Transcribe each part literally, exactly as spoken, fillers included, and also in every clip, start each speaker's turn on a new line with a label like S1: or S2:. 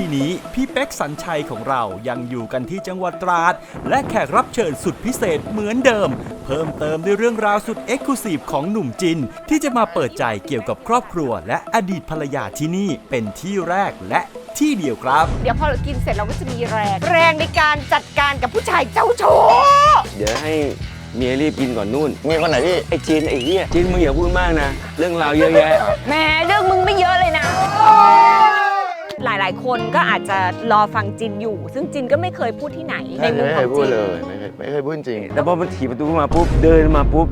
S1: นี้พี่เป๊กสัญชัยของเรายังอยู่กันที่จังหวัดตราดและแขกรับเชิญสุดพิเศษเหมือนเดิมเพิ่มเติมด้วยเรื่องราวสุดเอ็กซ์คลูซีฟของหนุ่มจินที่จะมาเปิดใจเกี่ยวกับครอบครัวและอดีตภรรยาที่นี่เป็นที่แรกและที่เดียวครับ
S2: เดี๋ยวพอเรากินเสร็จเราก็จะมีแรงแรงในการจัดการกับผู้ชายเจ้าชู้
S3: เดี๋ยวให้เมียรีบกินก่อนนู่น
S4: เมียคนไหนพี่
S3: ไอ้จีนไอ้เหี้ยจีนมึงอย่าพูดมากนะเรื่องราวเยอะแยะ
S2: แหมเรื่องมึงไม่เยอะเลยนะหลายๆคนก็อาจจะรอฟังจินอยู่ ซึ่งจินก็ไม่เคยพูดที่ไหนในมุมของจิน
S4: เลยไม่เคยไม่เคยพูดจริง
S3: แต่พอมันถีบประตูมาปุ๊บเดินมาปุ๊บ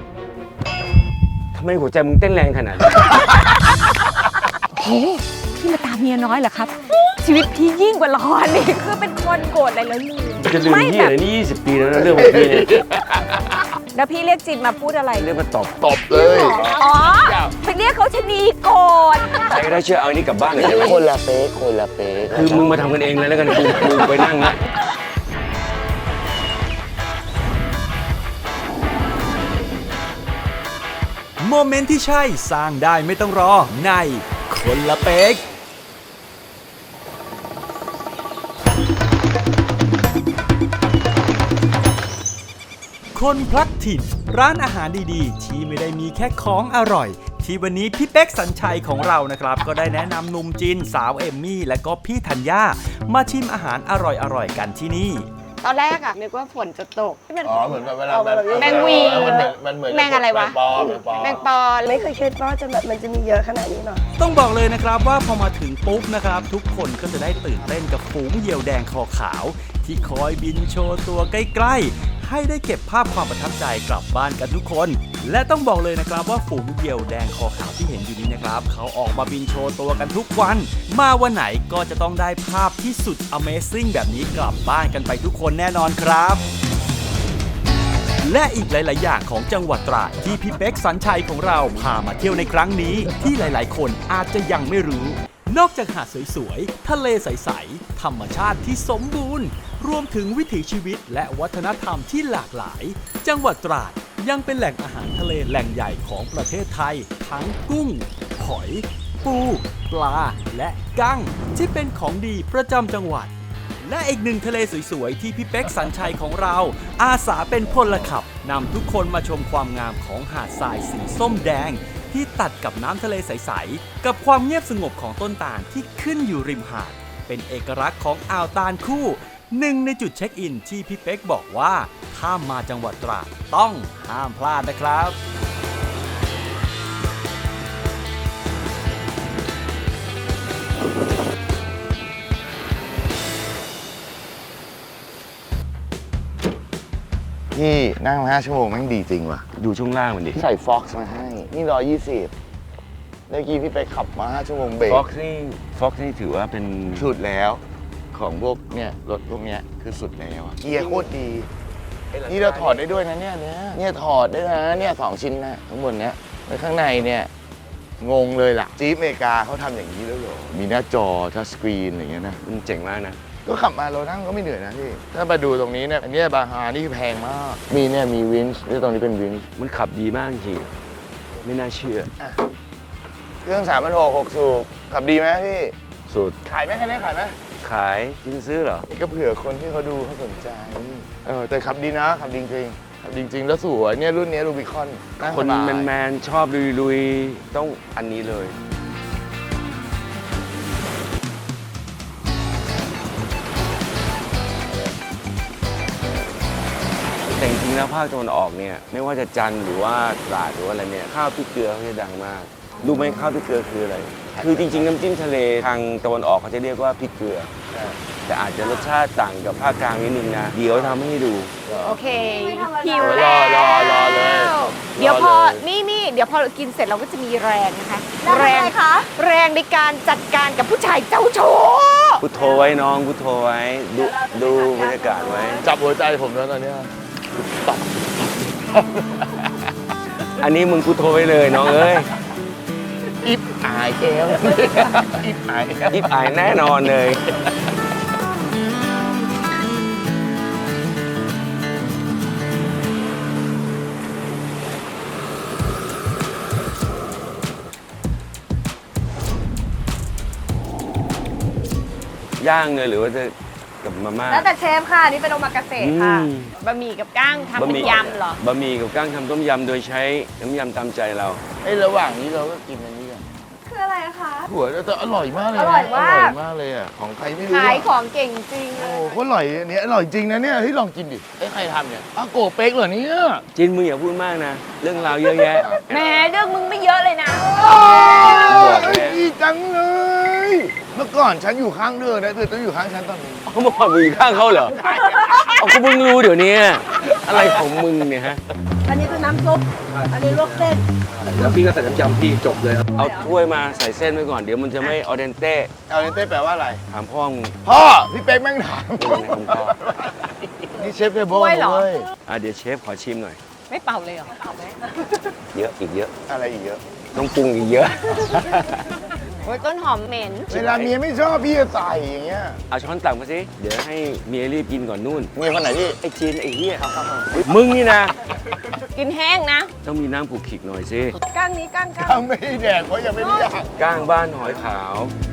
S3: ทำไมหัวใจมึงเต้นแรงขนาดนี้
S2: โอ้พี่มาตามเมียน้อยเหรอครับชีวิตพี่ยิ่งกว่าละครนี่คือเป็นคนโกรธอะไรแล้วลืม
S3: จะลืมที่อะไรนี่ยี่สิบปีแล้วนะเรื่องของพี่เนี่ย
S2: แล้วพี่เรียกจินมาพูดอะไร
S3: เรียกมาตบ
S4: ตบเลย
S2: อ๋อไปเรียกเขาชนีโกรธ
S3: ใครก็ได้เชื่อเอาอันนี้กลับบ้านเลย
S4: คนละเป๊กคนละเป๊ก
S3: คือมึงมาทำกันเองเลยแล้วกันกูกูไปนั่งนะ
S1: โมเมนต์ที่ใช่สร้างได้ไม่ต้องรอในคนละเป๊กคนพลัดถิ่นร้านอาหารดีๆที่ไม่ได้มีแค่ของอร่อยที่วันนี้พี่เป๊กสัญชัยของเรานะครับก็ได้แนะนำหนุ่มจินสาวเอมมี่และก็พี่ธัญญามาชิมอาหารอร่อยๆกันที่นี่
S2: ตอนแรกอะนึกว่าฝนจะตก
S4: อ๋อเหมือนแบบเวลา
S2: แมงวี
S4: มันเหมือน
S2: แมงอะไรวะแมงปอ
S5: ไม่เคยคิดว่าจะแบบมันจะมีเยอะขนาดนี้หรอก
S1: ต้องบอกเลยนะครับว่าพอมาถึงปุ๊บนะครับทุกคนก็จะได้ตื่นเต้นกับฝูงเหยี่ยวแดงคอขาวที่คอยบินโชว์ตัวใกล้ๆให้ได้เก็บภาพความประทับใจกลับบ้านกันทุกคนและต้องบอกเลยนะครับว่าฝูงเหยี่ยวแดงคอขาวที่เห็นอยู่นี้นะครับเขาออกมาบินโชว์ตัวกันทุกวันมาวันไหนก็จะต้องได้ภาพที่สุด Amazing แบบนี้กลับบ้านกันไปทุกคนแน่นอนครับและอีกหลายๆอย่างของจังหวัดตราดที่พี่เป๊กสัญชัยของเราพามาเที่ยวในครั้งนี้ที่หลายๆคนอาจจะยังไม่รู้นอกจากหาดสวยๆทะเลใสๆธรรมชาติที่สมบูรณ์รวมถึงวิถีชีวิตและวัฒนธรรมที่หลากหลายจังหวัดตราดยังเป็นแหล่งอาหารทะเลแหล่งใหญ่ของประเทศไทยทั้งกุ้งหอยปูปลาและกั้งที่เป็นของดีประจำจังหวัดและอีกหนึ่งทะเลสวยๆที่พี่เป๊กสัญชัยของเราอาสาเป็นพลขับนำทุกคนมาชมความงามของหาดทรายสีส้มแดงที่ตัดกับน้ำทะเลใสๆกับความเงียบสงบของต้นตาลที่ขึ้นอยู่ริมหาดเป็นเอกลักษณ์ของอ่าวตาลคู่หนึ่งในจุดเช็คอินที่พี่เป๊กบอกว่าถ้ามาจังหวัดตราดต้องห้ามพลาดนะครับ
S4: พี่นั่งมาห้าชั่วโมงแม่งดีจริงว่ะ
S3: ดูช่วงล่างมันดิ
S4: ใส่ฟ็อกซ์มาให้นี่ร้อยยี่สิบเมื่อกี้พี่ไปขับมาห้าชั่วโมงเบรก
S3: ฟ็อกซ์นี่ฟ็อกซ์นี่ถือว่าเป็น
S4: สุดแล้วของพวกเนี่ยรถพวกเนี้ยคือสุดแล้วเกียร์โคตรดีนี่เราถอดได้ด้วยนะเนี่ยเนี่ยเนี่ยถอดได้นะเนี่ยสองชิ้นนะข้างบนเนี้ยแล้วข้างในเนี่ยงงเลยล่ะจี๊ปอเมริกาเขาทำอย่างนี้ด้วยเหรอมีหน้าจอทัชสกรีนอะไรเงี้ยนะ
S3: มันเจ๋งมากนะ
S4: ก็ขับมาเรานั่งก็ไม่เหนื่อยนะพี่ถ้ามาดูตรงนี้เนี่ยอันนี้บาฮานี่แพงมากมีเนี่ยมีวินช์ที่ตรงนี้เป็นวินช์
S3: มันขับดีมากจริงไม่น่าเชื่อ
S4: เครื่องสามพันหกหกสูบขับดีไหมพี่
S3: สุด
S4: ขายไหมคันนี้ขายไหม
S3: ขายจริงซื้อเหรอ
S4: ก็เผื่อคนที่เขาดูเขาสนใจเออแต่ขับดีนะขับจริงๆขับจริงๆแล้วสวยเนี่ยรุ่นนี้รูบิคอน
S3: คนแมนๆชอบลุยๆต้องอันนี้เลยแต่จริงๆแล้วภาคตะวันออกเนี่ยไม่ว่าจะจันทร์หรือว่าตราดหรือว่าอะไรเนี่ยข้าวพริกเกลือเขาจะดังมากรู้ไหมข้าวพริกเกลือคืออะไรคือจริงๆน้ำจิ้มทะเลทางตะวันออกเขาจะเรียกว่าพริกเกลือแต่อาจจะรสชาติต่างกับภาคกลางนิดนึงนะเดี๋ยวทำให้ดู
S2: โอเคหิวแล้ว
S4: รอรอเลย
S2: เดี๋ยวพอนี่นี่เดี๋ยวพอเรากินเสร็จเราก็จะมีแรงนะคะ
S5: แรงคะ
S2: แรงในการจัดการกับผู้ชายเจ้าชู้
S3: พุทโธไว้น้องพุทโธไว้ดูดูบรรยากาศไว้
S4: จับหัวใจผมแล้วตอนนี้ตบ
S3: อันนี้มึงพุทโธไว้เลยน้องเอ้ย
S4: อิบอายแก้วอิบอาย
S3: อิบอายแน่นอนเลยย่างเลยหรือว่าจะกับมาม่า
S2: แล้วแต่เชฟค่ะ นี่เป็นโอมากาเสะค่ะ
S3: อืม
S2: บะหมี่กับก้างทำ
S3: บะห
S2: เป็น
S3: มี่
S2: ยำเหรอ
S3: บะหมี่กับก้างทำต้มยำโดยใช้น้ำยำตามใจเรา
S4: ไอ้ระหว่างนี้เราก็กินอันนี้กัน
S5: คืออะไรคะ
S4: หัวแต่อร่อยมากเลยนะ
S2: อร่อยมาก
S4: อร่อยมากเลยอ่ะของใครไม่รู้
S2: ขาย
S4: อะ
S2: ของเก่งจริงเล
S4: โอ้
S2: ย
S4: โคตรอร่อยอันเนี้ยอร่อยจริงนะเนี่ยที่ลองกินดิไอ้ยใครทำเนี่ยอาโกเป๊กเหรอเนี่ย
S3: จินมึงอย่าพูดมากนะ เรื่องราวเยอะแยะ
S2: แหมเรื่องมึงไม่เยอะเลยนะ
S3: บอกแล้ว
S4: ดีจังเลย เมื่อก่อนฉันอยู่ข้างเธอนะเธอต้องอยู่ข้างฉันตอนนี้
S3: เขามาผ่อนมึงอยู่ข้างเขาเหรอเอาก็มึงรู้เดี๋ยวนี้อะไรของมึงเนี่ยฮะ
S5: อันนี้คือน้ำซุป อันนี้ลวกเส้น
S6: แล้วพี่ก็ใส่น้ำยำพี่จบเลยครับ
S3: เอาถ้วยมาใส่เส้นไว้ก่อนเดี๋ยวมันจะไม่ออเดนเต้
S4: เอาเนเต้แปลว่าอะไร
S3: ถามพ่อมึง
S4: พ่อพี่เป๊กแม่งถาม
S3: เป็นไงคุณพ่อ
S4: นี่เชฟเทเบิล
S2: กล้วยเหรอ
S4: เว้ย
S3: อ่ะเดี๋ยวเชฟขอชิมหน่อย
S2: ไม่เป่าเลยเหรอเป่าไหม
S3: เยอะอีกเยอะ
S4: อะไรอีกเยอะ
S3: ต้องปรุงอีกเยอะ
S2: โอ้ยต้นหอมเหม็น
S4: เวลาเมียไม่ชอบพี่จะใส่อย่างเงี้ย
S3: เอาช้อนตักมาสิเดี๋ยวให้เมียรีบกินก่อนนู่น
S4: เมียคนไหนพี่
S3: ไอ้จีนไอ้เหี้ยมึงนี่นะ
S2: กินแห้งนะ
S3: ต้องมีน้ำผูกขิกหน่อยสิ
S2: ก้างนี้ก้างก้าง
S4: ทำไม่ได้แดกเพราะยังไม่ได้อยาก
S3: ก้างบ้านหอยขาว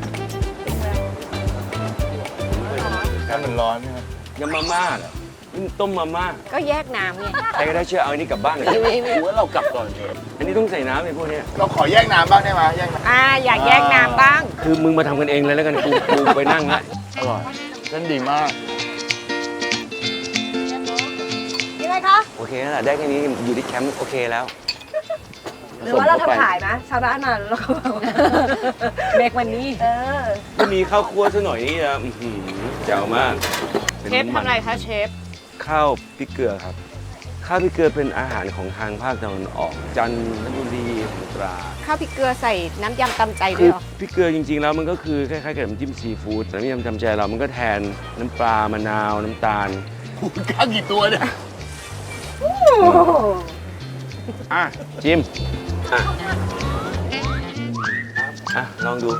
S4: กันมันร้อนใช่ไหม
S3: ยำมาม่าเหรอนี่มันต้มมาม่า
S2: ก็แยกน้ำไง
S3: ใครก็ได้ช่วยเอาอันนี้กลับบ้านหน่อย
S4: กูว่าเรากลับก่อนเถอะ
S3: อันนี้ต้องใส่น้ำไอ้พวกเนี้ย
S4: เราขอแยกน้ำบ้างได้ไหมแยกน้
S2: อ่าอยากแยกน้ำบ้าง
S3: คือมึงมาทำกันเองเลยแล้วกันกูกูไปนั่งละ
S4: ำอร่อยเส้นดีมาก
S5: ยังไงคะ
S3: โอเคแล้วล่ะได้แค่นี้อยู่ที่แคมป์โอเคแล้ว
S5: หรือว่าเราทำขายไหมชาวบ้านมาแล้วก็แบบ
S2: เบรกวันนี้
S5: เออ
S3: ก็มีข้าวคั่วซะหน่อยนี่นะอื้อหือแจ๋วมากป็น
S2: เชฟทำอะไรคะเชฟ
S3: ข้าวพริกเกลือครับ ข้าวพริกเกลือเป็นอาหารของทางภาคตะวันออก จันทบุรีสงขลา
S2: ข้าวพริกเกลือใส่น้ำยำตำใจด้
S3: คื
S2: วย
S3: อ
S2: เหรอ
S3: พริกเกลือจริงๆแล้วมันก็คือคล้ายๆกับน้ำจิ้มซีฟู้ดแต่น้ำยำจำใจเรามันก็แทนน้ำปลามะนาวน้ำตาล
S4: กูกล้ากี่ตัวเนี่ย
S3: อ่ะจิ้มอ่ะอ่ะลองดู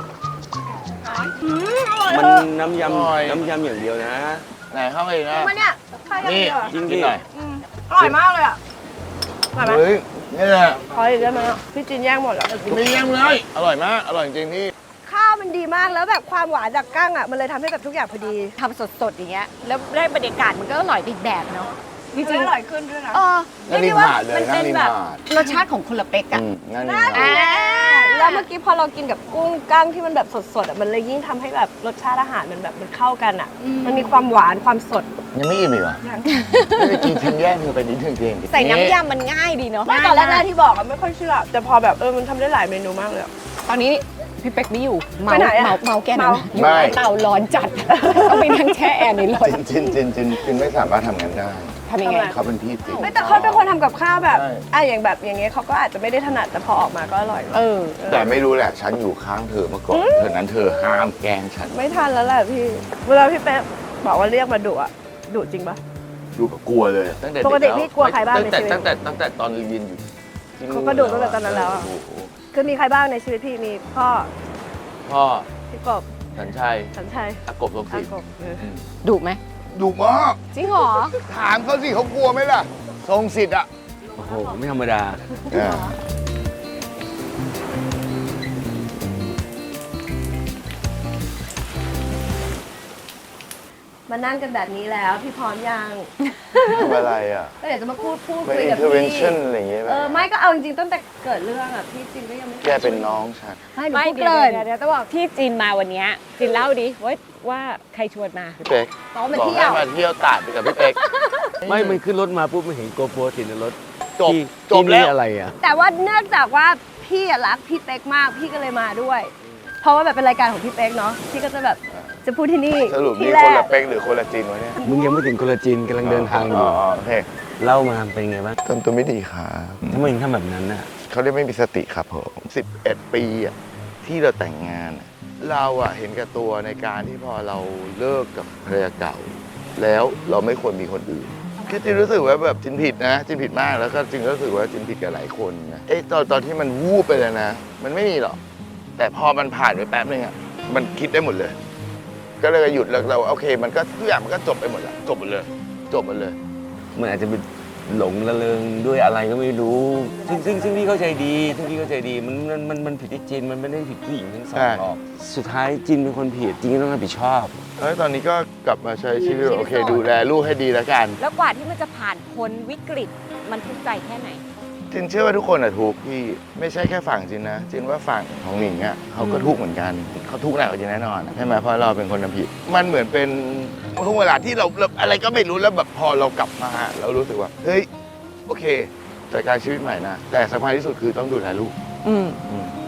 S3: มันน้ำย
S4: อร่อย
S3: ำน้ำยำอย่างเดียวนะ
S4: ไหนเข้าไปนะ
S5: มาเนี่ยใครกัน
S4: นี่
S5: เดียวอะ
S3: จริง
S4: กิ
S3: ดิ
S4: นหน่อย
S5: อร่อยมากเลยอ่ะอร่อยไหม
S4: เฮ้ยนี่แหละ
S5: ขออีกได้ไหมอะพี่จินแย่งหมดแล้ว
S4: ไม่เยี่ยมเลยอร่อยมากอร่อยจริงๆพี่
S5: ข้าวมันดีมากแล้วแบบความหวานจากกั้งอ่ะมันเลยทำให้แบบทุกอย่างพอดี
S2: ทำสดๆอย่างเงี้ย แล้วได้บรรยากาศมันก็อร่อยไปอีกแบบเนาะ จริง
S5: อร่อยขึ้นด้วยนะ
S2: ๆเออ
S4: นั่งริมหาดเลย
S2: มั
S4: นั่ง
S2: เป็น
S4: ริม
S2: แบบ
S4: หาด
S2: รสชาติของคนละเป๊กอะ
S4: อืมนั่งริมหาด
S2: อ่า
S5: แล้วเมื่อกี้พอเรากินกับกุ้งกั้งที่มันแบบสดๆอ่ะมันเลยยิ่งทำให้แบบรสชาติอาหารมันแบบมันเข้ากันอ่ะ มันมีความหวานความสด
S4: ยังไม่อิ่มอีกเหรอไม่ได้กินทิ้งแย่งเธอไปนิดนึงเอง
S2: ใส่น้ำยำมันง่ายดีเนาะ
S5: ไม่ตอนแรกๆที่บอกอะไม่ค่อยเชื่อ แต่พอแบบเออมันทำได้หลายเมนูมากเลยอะ
S2: ตอนนี้พี่เป๊กไม่อยู่เมา
S5: ไปไหนอะ
S2: เมาเมาแกนั่น
S5: เมา
S2: นะอยู่ใต้เตาร้อนจัด ต้องไปนั่งแช่แอร์ในรถ
S4: จินจินจินจินจินไม่สามารถทำงานได้
S2: ทำยังไง
S4: เขาเป็นพี่ติ
S5: ไม่แต่เขาเป็นคนทำกับข้าวแบบ
S4: ใช่
S5: อ่ะอย่างแบบอย่างเงี้ยเขาก็อาจจะไม่ได้ถนัดแต่พอออกมาก็อร่อย
S2: เออ
S4: แต่ไม่รู้แหละฉันอยู่ข้างเธอมาก่อนเธอนั้นเธอห้ามแกล้งฉัน
S5: ไม่ทันแล้วแหละพี่ เวลาพี่เป๊ะบอกว่าเรียกมาดุอะดุจริงปะ
S4: ดูกับกลัวเลยตั้งแต่
S5: ปกติ
S4: เแล้ว
S5: พี่กลัวใครบ้าง
S4: ตั้งแต่
S5: ในชีวิต
S4: ตั้งแต่ตั้งแต่ตอนเรียนอยู่ที่
S5: เขาก็ดุตั้งแต่ตอนนั้นแล้วอะ
S4: โโห
S5: คือมีใครบ้างในชีวิตพี่มีพ่อ
S4: พ่อ
S5: พี่กบ
S4: สัญชัย
S5: สัญชัย
S4: อากบลง
S5: อา
S4: สิ
S5: กบเออ
S2: ดุไหม
S4: ดุมาก
S2: จริงเหรอ
S4: ถามเขาสิเขากลัวไหมล่ะ ทรงสิทธิ์อ่ะ
S3: โอ้โหไม่ธรรมดา
S5: มานั่งกันแบบนี้แล้วพี่พร้อมยัง
S4: ทำอะไรอ่ะ
S5: ก็เดี๋ยวจะมาพูดพูด
S4: ไม่
S5: คุยกับพี่
S4: intervention อะไรอย่างเงี้ยไหม
S5: เออไม่ก็เอาจริงๆตั้งแต่เกิดเรื่องอะพี่จริงก็ยังไม่
S4: แกเป็นน้องฉัน
S2: ไม่เกินเดี๋ยวต้องบอกที่จีนมาวันเนี้ยจีนเล่าดิว่าว่าใครชวนมา
S4: พี่เป๊ก
S5: บอกว่ามา
S4: บอก
S5: เที่ย
S4: ให้
S5: ว
S4: มาเที่ยวตาดไปกับพี่เป๊ก
S3: ไม่มันขึ้นรถมาปุ๊บมันเห็นโกโปรติดในรถ
S4: จบ
S3: ที่
S4: จบ
S3: ที่
S4: แล้ว
S3: นี่อะไรอ่ะ
S5: แต่ว่าเนื่องจากว่าพี่อะรักพี่เป๊กมากพี่ก็เลยมาด้วย เพราะว่าแบบเป็นรายการของพี่เป๊กเนาะพี่ก็จะแบบจะพูดที่นี่
S4: สรุป
S5: ที่
S4: นี่
S5: แร
S4: คน
S5: ก
S4: ละเป๊กหรือคนละจีนวะเนี่ย
S3: มึงยังไม่ถึงโคลาจินกำลังเดินทางอยู่
S4: โอเค
S3: เล่ามาเป็นไงบ้าง
S4: ทำตัวไม่ดีครับ
S3: ทำไมถึงทำแบบนั้นน่ะ
S4: เขาเรียกไม่มีสติครับผมสิบเอ็ดปีอะที่เราแต่งงานอะเราอะเห็นแก่ตัวในการที่พอเราเลิกกับภรรยาเก่า แล้วเราไม่ควรมีคนอื่นคือจินรู้สึกว่าแบบจินผิดนะจินผิดมากแล้วก็จินก็รู้สึกว่าจินผิดกับหลายคนนะเอ้ตอนตอนที่มันวูบไปเลยนะ มันไม่มีหรอกแต่พอมันผ่านไปแป๊บนึงอะมันคิดได้หมดเลย ก็เลยหยุดแล้วเราโอเค มันก็ทุกอย่างมันก็จบไปหมดละจบหมดเลย จบหมดเลย
S3: มันอาจจะเป็นหลงระเริงด้วยอะไรก็ไม่รู้ ซึ่งซึ่งซึ่งพี่เข้าใจดีซึ่งพี่เข้าใจดีมันมันมันมันผิดที่จินมันไม่ได้ผิดผู้หญิงทั้งสองหรอกสุดท้ายจินเป็นคนผิดจินก็ต้องรับผิดชอบ
S4: แล้วตอนนี้ก็กลับมาใช้ชีวิตโอเคดูแลลูกให้ดีแล้วกัน
S2: แล้วกว่าที่มันจะผ่านพ้นวิกฤตมันทุกข์ใจแค่ไหน
S4: จินเชื่อว่าทุกคนอะทุกข์พี่ไม่ใช่แค่ฝั่งจินนะจินว่าฝั่งของหนิงอะเขาก็ทุกข์เหมือนกันเขาทุกข์หนักกว่าจินแน่นอนใช่ไหมเพราะเราเป็นคนทำผิดมันเหมือนเป็นช่วงเวลาที่เราเราอะไรก็ไม่รู้แล้วแบบพอเรากลับมาเรารู้สึกว่าเฮ้ยโอเคจัดการชีวิตใหม่นะแต่สำคัญที่สุดคือต้องดูแลลูก
S2: อืม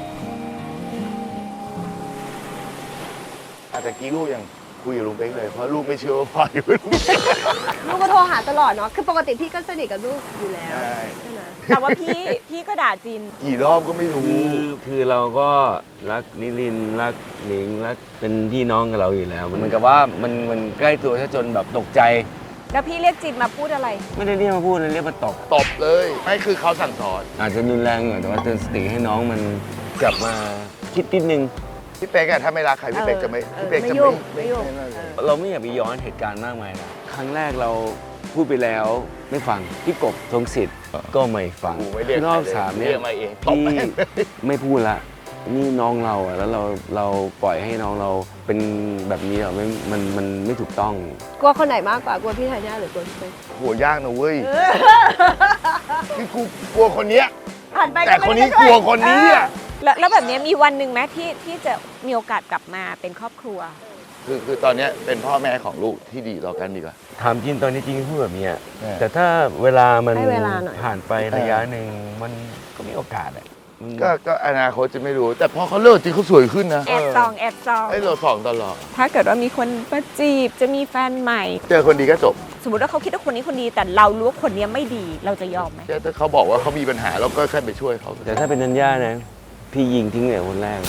S4: อาจจะกี้ลูกยังคุยกับลุงเป๊กเลยเพราะลูกไม่เชื่อว่าพ่ออยู่กับลุงเป๊ก
S5: ลูกก็โทรหาตลอดเนาะ คือปกติพี่ก็สนิทกับลูกอยู่แล้ว
S4: ใช่
S5: ใช่ไหม
S2: แต่ว่าพี่พี่ก็ด่าจิน
S4: กี่รอบก็ไม่รู้
S3: คือคือเราก็รักนิรินทร์รักหนิงรักเป็นพี่น้องกับเราอยู่แล้ว มันเหมือนกับว่ามันมันใกล้ตัวซะจนแบบตกใจ
S2: แล้วพี่เรียกจินมาพูดอะไร
S3: ไม่ได้เรียกมาพูดเลยเรียกมาตบ
S4: ตบเลยไม่คือเขาสั่งสอน
S3: อาจจะรุนแรงหน่อยแต่ว่าเตือนสติให้น้องมันกลับมาคิดนิดนึง
S4: พี่เป๊กอะถ้าไม่รักใครพี่เป๊กจะไม่
S2: เออ
S4: พี่เป๊กจะ
S2: ไม่ยุ่
S4: ไม่
S2: งไม่ยุ่ง
S4: นั่นเลย
S3: เราไม่อยากไปย้อนเหตุการณ์มากมายนะครั้งแรกเราพูดไปแล้วไม่ฟังพี่กบทรงสิทธิ์ก็ไม่ฟัง
S4: กูไม่เรียก
S3: รอบ
S4: ใครเลย
S3: สาม
S4: เรี
S3: เนี่ย
S4: กมาเองตบ
S3: พี่
S4: แม่งเลย
S3: ไม่พูดละนี่น้องเราอะแล้วเราเราปล่อยให้น้องเราเป็นแบบนี้เหรอไม่มันมันไม่ถูกต้อง
S5: กลัวคนไหนมากกว่า กลัวพี่ธัญญาหรือกลัวพี่เป๊ก
S4: โหยากนะเว้ยคือกูกลัวคนเนี้ย
S2: ผ่านไป
S4: แต่คนนี้กลัวคนนี้อะ
S2: แล้วแล้วแบบนี้มีวันหนึ่งไหมที่ที่จะมีโอกาสกลับมาเป็นครอบครัว
S4: คือคือตอนเนี้ยเป็นพ่อแม่ของลูกที่ดีต่อกันดีกว่า
S3: ถามจริงตอนนี้จริงพูดแบบนี้อะ
S4: เออ
S3: แต่ถ้าเวลามัน
S5: ให้เวลาหน่อย
S3: ผ่านไประยะหนึ่งมันก็มีโอกาสอะมัน
S4: ก็ก็อนาคตจะไม่รู้ แต่พอเขาเลิกจริงเขาสวยขึ้นนะ
S2: แอบซองแอบซอง
S4: ไอ้เราสองตลอด
S2: ถ้าเกิดว่ามีคนมาจีบจะมีแฟนใหม่
S4: เจอคนดีก็จบ
S2: สมมติว่าเขาคิดว่าคนนี้คนดีแต่เรารู้ว่าคนนี้ไม่ดีเราจะยอมไหม
S4: ถ้าเขาบอกว่าเขามีปัญหาเราก็แค่ไปช่วยเขา
S3: แต่ถ้าเป็นนัญญานะ พี่ยิงทิ้งเลยคนแรก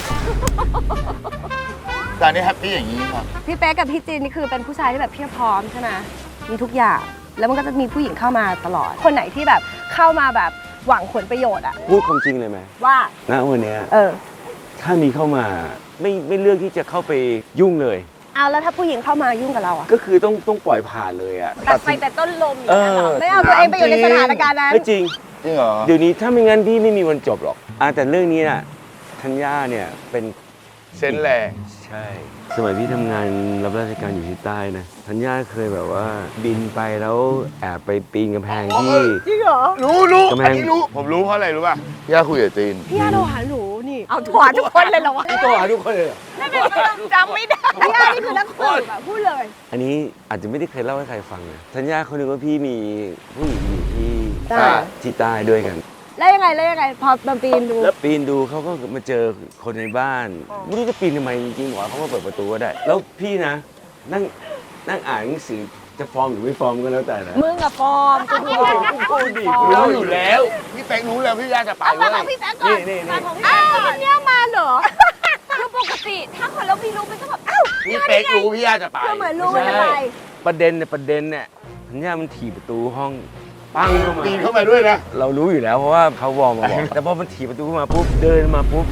S4: ตอนนี้แฮปปี้อย่างนี้ครับ
S5: พี่เป๊กกับพี่จีนนี่คือเป็นผู้ชายที่แบบเพียบพร้อมใช่ไหมมีทุกอย่าง แล้วมันก็จะมีผู้หญิงเข้ามาตลอด คนไหนที่แบบเข้ามาแบบหวังผลประโยชน์อะ
S3: พูดความจริงเลยไหม
S5: ว่า
S3: ณวันเนี้ย
S5: เออ
S3: ถ้ามีเข้ามาไม่ไม่เลือกที่จะเข้าไปยุ่งเลย
S5: เอาแล้วถ้าผู้หญิงเข้ามายุ่งกับเราอะ
S3: ก็คือต้องต้องปล่อยผ่านเลยอะ
S2: ตัดไฟแต่ต้นลมอย่างนี้ยเหรอ
S3: เออ
S5: ไม่เอาตัวเองไปอยู่ในสถานการณ์นั้น
S3: ไม่จริง
S4: จริงเหรอ
S3: เดี๋ยวนี้ถ้าไม่งั้นพี่ไม่มีวันจบหรอกอ่ะแต่เรื่องนี้น่ะธัญญาเนี่ยเป็น
S4: เซนส์แรง
S3: ใช่ สมัยพี่ทำงานรับราชการอยู่ที่ใต้นะธัญญาเคยแบบว่าบินไปแล้วแอบไปปีนกำแพงที่
S5: จริงเหรอ
S4: รู้รู้
S3: กำแพง
S4: อันนี้รู้ ผมรู้เพราะอะไรรู้ป่ะพี่อาคุยกับจีน
S5: พี่อาโทรหาหนูนี่
S2: เอาถั่วทุกคนเลยเหรอวะ
S3: ตัวหาทุกคนเลยเหรอ
S2: จำไม่ได้
S5: พี่อานี่คือนักสืบอะพูดเลย
S3: อันนี้อาจจะไม่ได้เคยเล่าให้ใครฟังนะธัญญาเขานึกว่าพี่มีผู้หญิงอยู่ที่
S5: ใต้
S3: ที่ใต้ด้วยกัน
S5: แล้วยังไงแล้วยังไงพอมาปีนดู
S3: แล้วปีนดูเขาก็มาเจอคนในบ้านไม่รู้จะปีนทำไมจริงๆหมอเขามาเปิดประตูก็ได้ แล้วพี่นะ นั่งนั่งอ่านหนังสือจะฟอร์มหรือไม่ฟอร์มก็แล้วแต่นะ
S2: มึงอะฟอร์มกูดูกูดิ
S3: รู้อยู่แล้ว
S4: พี่เป๊กรู้แล้วพี่ยาจะไปเว้ย
S3: นี่นี่นี่
S2: อ้าวมันเนี่ยมาเหรอคือปกติถ้าคนเราไม่รู้มันก็แบบอ้าว
S4: พี่เป๊กรู้พี่ยาจะไป
S5: คือเหมือนรู้ว่าจะไป
S3: ประเด็นเนี่ยประเด็นเนี่ยธัญญามันถีบประตูห้องปังเข้ามา
S4: ปีนเข้ามาด้วยนะ
S3: เรารู้อยู่แล้วเพราะว่าเขาวอร์มมาบอก แต่พอมันถีบประตูเข้ามาปุ๊บเดินมาปุ๊บ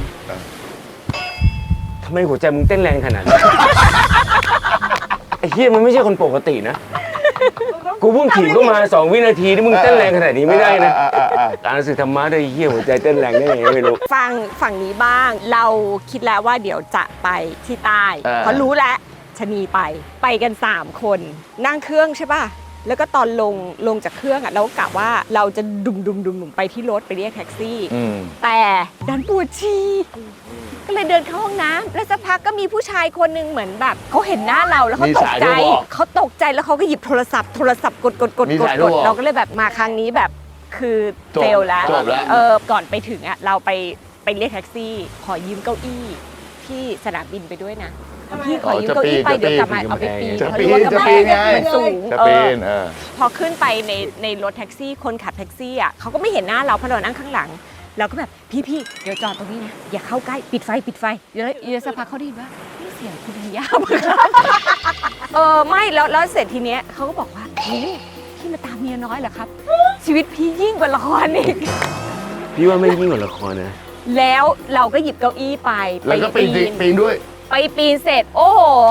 S3: ทำไมหัวใจมึงเต้นแรงขนาดนี้ ไอ้เฮียมันไม่ใช่คนปกตินะ กูเพิ่งถีบเข้ามาสองวินาทีที่มึงเต้นแรงขนาดนี้ไม่ได้นะการสื่อธรรมะได้เฮียหัวใจเต้นแรงได้ยังไงไม่รู้
S2: ฟังฝั่งนี้บ้าง เราคิดแล้วว่าเดี๋ยวจะไปที่ใต้
S4: เออ
S2: เพราะรู้แล้วชะนีไปไปกันสามคนนั่งเครื่องใช่ป่ะแล้วก็ตอนลงลงจากเครื่องอ่ะเราก็กะว่าเราจะดุมดุมดุมดุมไปที่รถไปเรียกแท็กซี่
S4: อืม
S2: แต่ดันปวดฉี่ก็เลยเดินเข้าห้องน้ำแล้วสักพักก็มีผู้ชายคนหนึงเหมือนแบบเขาเห็นหน้าเราแล้วเขา
S4: มี
S2: ตก
S4: สาย
S2: ใจ
S4: โทรบอก
S2: เขาตกใจแล้วเขาก็หยิบโทรศัพท์โทรศัพท์กดกดกด
S4: มี
S2: กด
S4: สาย
S2: ก
S4: โทร
S2: ด
S4: บอก
S2: เราก็เลยแบบมาครั้งนี้แบบคือ
S4: จบ
S2: เฟลแล้ว
S4: จบแล้ว
S2: เออก่อนไปถึงอ่ะเราไปไปเรียกแท็กซี่ ขอยืมเก้าอี้ที่สนามบินไปด้วยนะพี่ขอยืมเก้าอี้ไปเดี๋ยวกลับมาเอาไปปีน
S4: จะ
S2: เพราะ
S4: ปี
S2: รู้ว่าน
S4: จะ
S2: กำแพ
S4: ปีน
S2: ง
S4: ไง
S2: มันสูง
S4: จะ
S2: เอ
S4: ปี
S2: อน
S4: เออ
S2: พอขึ้นไปในในรถแท็กซี่คนขับแท็กซี่อ่ะเขาก็ไม่เห็นหน้าเราเพราะเรานั่งข้างหลังเราก็แบบพี่พี่เดี๋ยวจอดตรงนี้นะอย่าเข้าใกล้ปิดไฟปิดไฟเดี๋ยวเดี๋ยวสักพักเขาได้ยินว่านี่เสียงคุณธัญญาปะครับเออไม่แล้วแล้วเสร็จทีเนี้ยเขาก็บอกว่าโอ้พี่มาตามเมียน้อยเหรอครับ ชีวิตพี่ยิ่งกว่าละครอีก
S3: พี่ว่าไม่ยิ่งกว่าละครนะ
S2: แล้วเราก็หยิบเก้าอี้ไป
S4: แล้วก็ปีนจริงปีนด้วย
S2: ไปปีนเสร็จ โอ้โห ค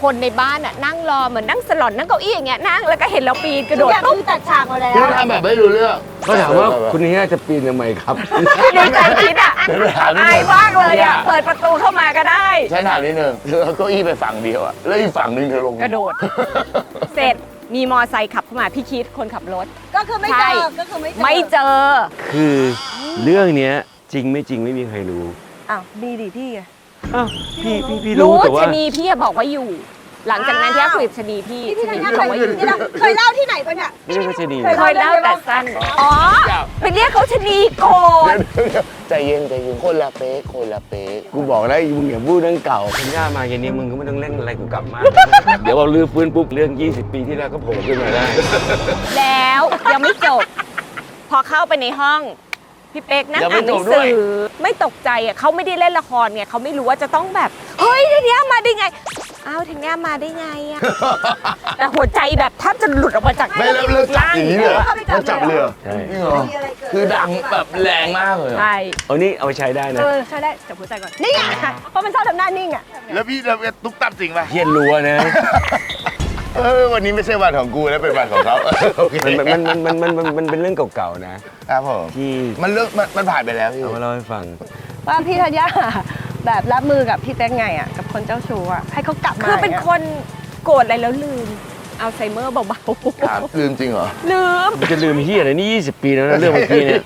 S2: คนในบ้านอ่ะนั่งรอเหมือนนั่งสลอนนั่งเก้าอี้อย่างเงี้ยนั่งแล้วก็เห็นเราปีนกระโดด
S5: อยาก
S2: ปุ๊บ
S5: คือตัดฉากมาแล้ว
S4: คือทำแบบไม่รู้เรื่อง
S3: ก็ถามว่าคุณนี้จะปีนทำไมครับ
S2: ในใจคิดอ่ะอายมากเลยอ่ะเปิดประตูเข้ามาก็ได้
S4: ฉันถามนิดนึงเธอเอาเก้าอี้ไปฝั่งเดียวอะแล้วอีกฝั่งหนึงเธอลง
S2: กระโดด เสร็จมีมอไซค์ขับเข้ามาพี่คิดคนขับรถ
S5: ก็คือไม่เจ
S2: ใช่
S5: อก็คือไม่เจอ
S2: ไม่เจอ
S3: คือเรื่องเนี้ยจริงไม่จริงไม่มีใครรู้
S5: อ้าวมีดิพี่ไง
S3: อ้าวพี่พี่พี่
S2: รู้
S3: รู้แต่ว่า
S2: ชะนีพี่อะบอกว่าอยู่ หลังจากนั้นที่คุยกับชะนีพี่
S5: พี่
S2: ชะ
S5: ธัญ
S2: นี
S5: ญา
S2: พี่บอกว่าอยู่
S5: เคยเคยเล่าที่ไหนปะเนี่ย
S3: ไม่ใช่ก็จะดี
S5: เคย
S2: เคยเล่าแต่สั้นอ๋อไปเรียกเขาชะนีโกรธ
S4: ใจเย็นใจเย็นคนละเป๊กคนละเป๊กกูบอกแล้วมึงอย่าพูดเรื่องเก่า
S3: คุณย่ามาอย่างนี้มึงก็ไม่ต้องเล่นอะไรกูกลับมา เดี๋ยวเราลื้อฟื้นปุ๊บเรื่องยี่สิบปีที่แล้วก็โผล่ขึ้นมาได้
S2: แล้วยังไม่จบ พอเข้าไปในห้องพี่เป๊กนั่ง
S4: ยังไม่
S2: อ่านหนัง
S4: จบด้
S2: สื
S4: วย
S2: อไม่ตกใจอ่ะเขาไม่ได้เล่นละครไงเขาไม่รู้ว่าจะต้องแบบเฮ้ยทีเนี้ยมาได้ไงอ้าวทีเนี้ยมาได้ไงอ่ะแต่หัวใจแบบแทบจะหลุดออกมาจาก
S4: ไม่แล้วเลิกจับอย่างนี้เลยแล้วจับเรือ
S3: ใช่
S4: จริงเหรอคือดังแบบแรงมากเลยเหรอ
S2: ใช่
S3: เอานี่เอาไปใช้ได้นะ
S5: เออใช่ได้จับหัวใจก่อนนี่ไงเพราะมันชอบทำหน้านิ่งอ่ะ
S4: แล้วพี่เราตุ๊กตับจริงป่ะ
S3: เฮียนรัวนะ
S4: เออวันนี้ไม่ใช่วันของกูแล้วเป็นวันของเขาโอเค
S3: มันมันมันมันมันมันมันเป็นเรื่องเก่าๆนะครับ
S4: ผม
S3: ที่
S4: มันเลิกมันมันผ่านไปแล้วพี่
S3: เอามาเล่าให้ฟัง
S5: ว่าพี่ธัญญาแบบรับมือกับพี่เป๊กไงอ่ะกับคนเจ้าชู้อ่ะให้เขากลับมา
S2: คือเป็น
S5: ย่าง
S2: ค
S5: งี้ย
S2: นโกรธอะไรแล้วลืมอัลไซเมอร์เบา
S4: ถามลืมจริงเหรอ
S2: ๆลืม
S3: มันจะลืมเฮียอะไรนี่ยี่สิบปีแล้วนะเรื่องเมื่อกี้เนี่ย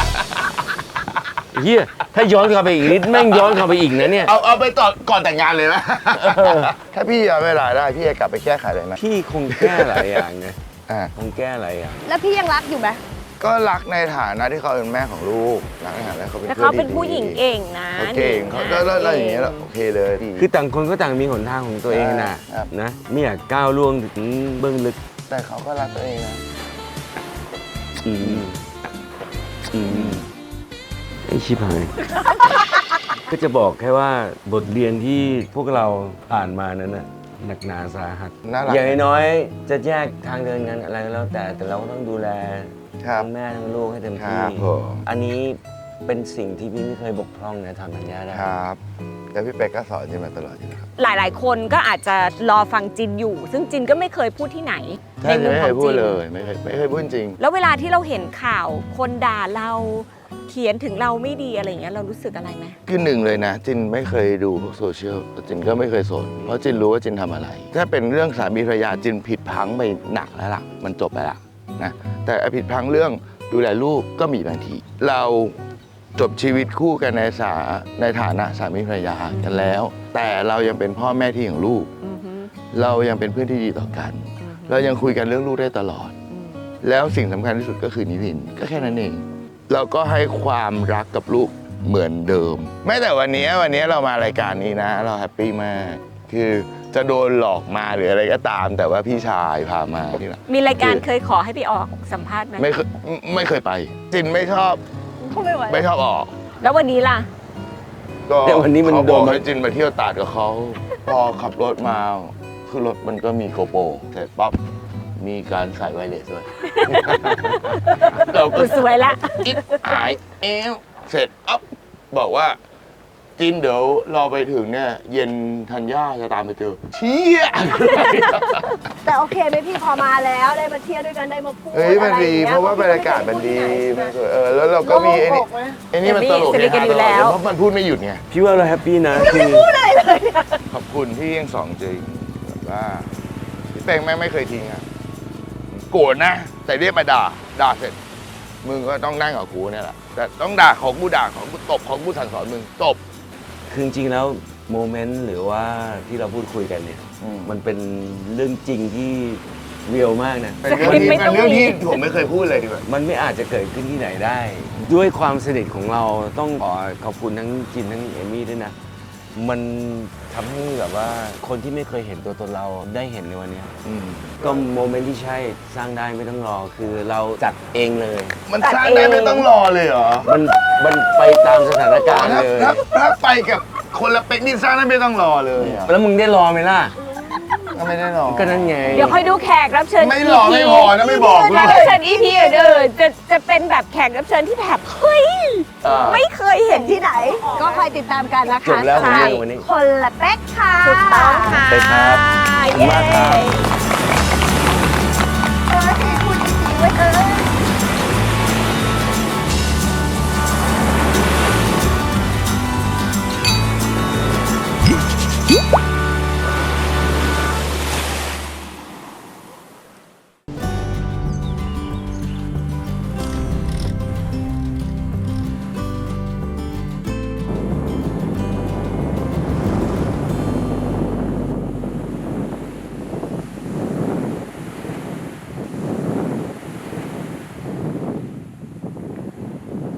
S3: เฮียถ้าย้อนกลับไปอีกนิดแม่งย้อนกลับไปอีกนะเนี่ย
S4: เอาเอาไปต่อก่อนแต่งงานเลยไหมถ้าพี่ย้อนเวลาได้พี่จะกลับไปแก้ไขเลยไหม
S3: พี่คงแก้หลายอย่างไง
S4: อ่า
S3: คงแก้หลายอย่าง
S5: แล้วพี่ยังรักอยู่ไหม
S4: ก็รักในฐานะที่เขาเป็นแม่ของลูกรักในฐานะเขาเป็น
S2: แต่
S4: เพื่อ
S2: เขา
S4: น
S2: เป็น
S4: ที่
S2: ผู้หญิง
S4: ดี
S2: เก่งนะ
S4: เขาเก่งเขาก็แล้วแล้วอย่างเงี้ยแล้วโอเคเลยดี
S3: คือต่างคนก็ต่างมีหนทางของตัวเองนะครับ นะไม่อยากก้าวล่วงถึงเบื้องลึก
S4: แต่เขาก็รักตัวเองนะ
S3: อืมอืมไอชิบหาย ก็จะบอกแค่ว่าบทเรียนที่พวกเราผ่านมานั้นน่ะหนักหนาสาหัส
S4: น่ารัก
S3: อย่างน้อยๆจะแยกทางเดินกันอะไรก็แล้วแต่แต่เราก็ต้องดูแล
S4: ครับ
S3: ทั้งแม่ทั้งลูกให้เต็ม
S4: ค
S3: ที่
S4: รับผม
S3: อันนี้เป็นสิ่งที่พี่ไม่เคยบกพร่องนะทำสัญญาได้
S4: ครับแล้วพี่เป๊กก็สอนจินมาตลอดอยู่แล้วครับ
S2: หลายๆ คนก็อาจจะรอฟังจินอยู่ ซึ่งจินก็ไม่เคยพูดที่ไหน
S4: ใช่
S2: ในมุม
S4: ไม่
S2: ข
S4: เค
S2: อย ง
S4: พู
S2: จิ
S4: ด
S2: น
S4: เลยไม่เคยไม่เคยพูดจริง
S2: แล้วเวลาที่เราเห็นข่าวคนด่าเราเขียนถึงเราไม่ดีอะไรเงี้ยเรารู้สึกอะไรไหม
S4: คือหนึ่งเลยนะ จินไม่เคยดูพวกโซเชียลจินก็ไม่เคยสนเพราะจินรู้ว่าจินทำอะไร ถ้าเป็นเรื่องสามีภรรยาจินผิดพลังไปหนักแล้วล่ะมันจบไปละนะแต่ไอ้ผิดพลังเรื่องดูแลลูกก็มีบางที เราจบชีวิตคู่กันในสาในฐานะสามีภรรยากันแล้ว แต่เรายังเป็นพ่อแม่ที่ของลูก
S2: อือฮึ
S4: เรายังเป็นเพื่อนที่ดีต่อกัน
S2: อือฮึ
S4: เรายังคุยกันเรื่องลูกได้ตลอด
S2: อืม
S4: แล้วสิ่งสำคัญที่สุดก็คือนิพินก็แค่นั้นเอง เราก็ให้ความรักกับลูกเหมือนเดิม แม้แต่วันนี้วันนี้เรามารายการนี้นะ เราแฮปปี้มาก คือจะโดนหลอกมาหรืออะไรก็ตาม แต่ว่าพี่ชายพามาที่ไหน
S2: มีรายการเคยขอให้ไปออกสัมภาษณ์ไหม
S4: ไม่เคยไม่เคยไป จินไม่ชอบ
S5: เขาไม่ไหว
S4: ไม่ชอบออก
S2: แล้ววันนี้ล่ะ
S4: ก็
S3: แต่วันนี้มัน
S4: เขา
S3: โด
S4: บอน ก
S3: มา
S4: ให้จินไปเที่ยวตาดกับเขาพอขับรถมาคือรถมันก็มีโกโปรเสร็จปั๊บมีการใส่ไวเลสด้วย เราก็
S2: กูสวยละ
S4: อิดหายเอวเสร็จอ๊บบอกว่าจินเดี๋ยวรอไปถึงเนี่ย เย็นธัญญาจะตามไปเจอเชี่ย
S5: แต่โอเคไหมพี่พอมาแล้วได้มาเที่ยวด้วยกันได้มาพูด
S4: เฮ้ยมันดี
S5: อไอย่งงี้ย
S4: เพราะว่าบรรยากาศมันดีมันสวยเออแล้วเราก็มีไอ้นี่
S5: โล่งอกนะ
S4: ไอ้นี่มันตลก
S2: สนิทกันอยู่แล้ว
S4: เพราะมันพูดไม่หยุดไง
S3: พี่ว่าเราแฮปปี้นะคือ
S4: ขอบคุณที่ยังสองจริงแบบว่าพี่เป้งแม่งไม่เคยทิ้งอะโกรธนะ แต่เรียกมาด่าด่าเสร็จ มึงก็ต้องนั่งกับกูเนี่ยแหละแต่ต้องด่าของกูด่าของกูตบของกูสั่งสอนมึงตบ
S3: คือจริงๆแล้วโมเมนต์หรือว่าที่เราพูดคุยกันเนี่ย
S4: อืม
S3: มันเป็นเรื่องจริงที่เรียลมากนะ
S4: เป็นเรื่องที่เป็นเรื่องที่ผมไม่เคยพูดเลยดีกว่า
S3: มันไม่อาจจะเกิดขึ้นที่ไหนได้ ด้วยความสนิทของเราต้องขอขอบคุณทั้งจินทั้งเอมี่ด้วยนะ มันทำให้แบบว่าคนที่ไม่เคยเห็นตัวตนเราได้เห็นในวันเนี้ย
S4: อืม
S3: ก็โมเมนต์ที่ใช่สร้างได้ไม่ต้องรอคือเราจัดเองเลย
S4: มันสร้างได้ไม่ต้องรอเลยเหรอ
S3: มันมันไปตามสถานการณ์
S4: ถ้า
S3: เลย
S4: ถ้าถ้าไปกับคนละเป็กนี่สร้างได้ไม่ต้องรอเลยอะ
S3: แล้วมึงได้รอไหมล่ะ
S4: เก็ไม่ได้หรอก
S3: ก็นั่นไง
S2: เดี๋ยวค่อยดูแขกรับเชิญ
S4: ไม่หรอกไม่พอนะไม่บอก
S2: แขกรับเชิญ อี พี อื่นๆจะจะเป็นแบบแขกรับเชิญที่แบบเฮ้ย
S3: อ่า
S2: ไม่เคยเห็นที่ไหน
S5: ก็คอยติดตามกันนะคะ
S3: จบแล้ว
S5: สำหรับ
S3: วันนี้
S5: คนละเป๊กค่ะ
S2: ถูกต้องค่ะ
S3: ไปครับขอบคุณมากครับ